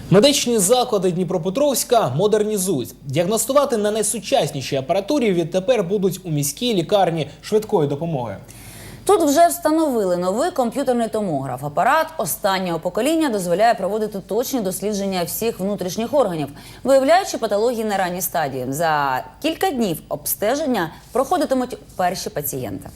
Медичні заклади Дніпропетровська модернізують. Діагностувати на найсучаснішій апаратурі відтепер будуть у міській лікарні швидкої допомоги. Тут вже встановили новий комп'ютерний томограф. Апарат останнього покоління дозволяє проводити точні дослідження всіх внутрішніх органів, виявляючи патології на ранній стадії. За кілька днів обстеження проходитимуть перші пацієнти.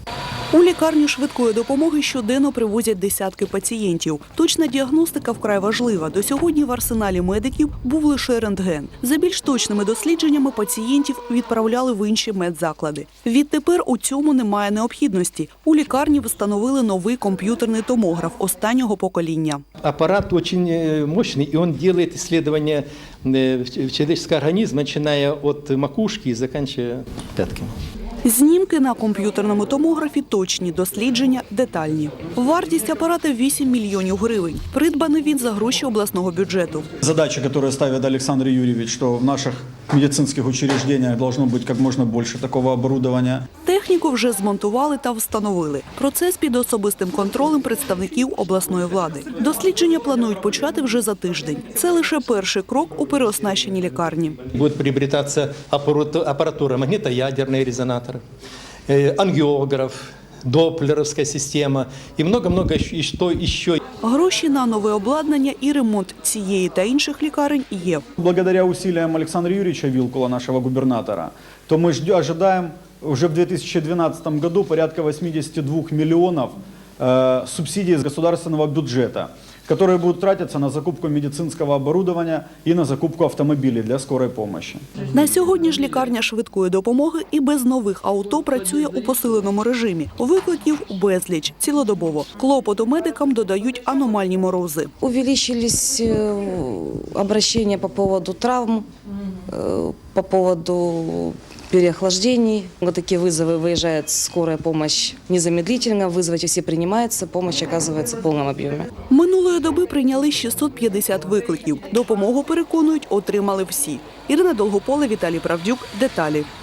У лікарню швидкої допомоги щоденно привозять десятки пацієнтів. Точна діагностика вкрай важлива. До сьогодні в арсеналі медиків був лише рентген. За більш точними дослідженнями пацієнтів відправляли в інші медзаклади. Відтепер у цьому немає необхідності. У лікарні встановили новий комп'ютерний томограф останнього покоління. Аппарат очень мощный, и он делает исследования человеческого организма, начиная от макушки и заканчивая пятками. Знімки на комп'ютерному томографі точні, дослідження детальні. Вартість апарата – 8 мільйонів гривень. Придбаний він за гроші обласного бюджету. Задача, которую ставит Александр Юрьевич, что в наших медицинских учреждениях должно быть как можно больше такого оборудования. Техніку вже змонтували та встановили. Процес під особистим контролем представників обласної влади. Дослідження планують почати вже за тиждень. Це лише перший крок у переоснащенні лікарні. Будет приобретаться аппаратура, магнитоядерные резонаторы, ангиограф, доплеровская система и много-много что еще. Гроші на нове обладнання і ремонт цієї та інших лікарень є. Благодаря усилиям Александра Юрьевича Вилкула, нашего губернатора, то мы ожидаем уже в 2012 году порядка 82 миллионов субсидий из государственного бюджета, которые будут тратиться на закупку медицинского оборудования и на закупку автомобилей для скорой помощи. На сьогодні ж лікарня швидкої допомоги і без нових авто працює у посиленому режимі. Викликів безліч, цілодобово. Клопоту медикам додають аномальні морози. Увеличились обращения по поводу травм, по поводу переохлаждений. Вот такие вызовы, выезжает скорая помощь незамедлительно, вызовы все принимаются, помощь оказывается в полном объеме. Минулої доби прийняли 650 викликів. Допомогу, переконують, отримали всі. Ірина Долгополе, Віталій Правдюк. Деталі.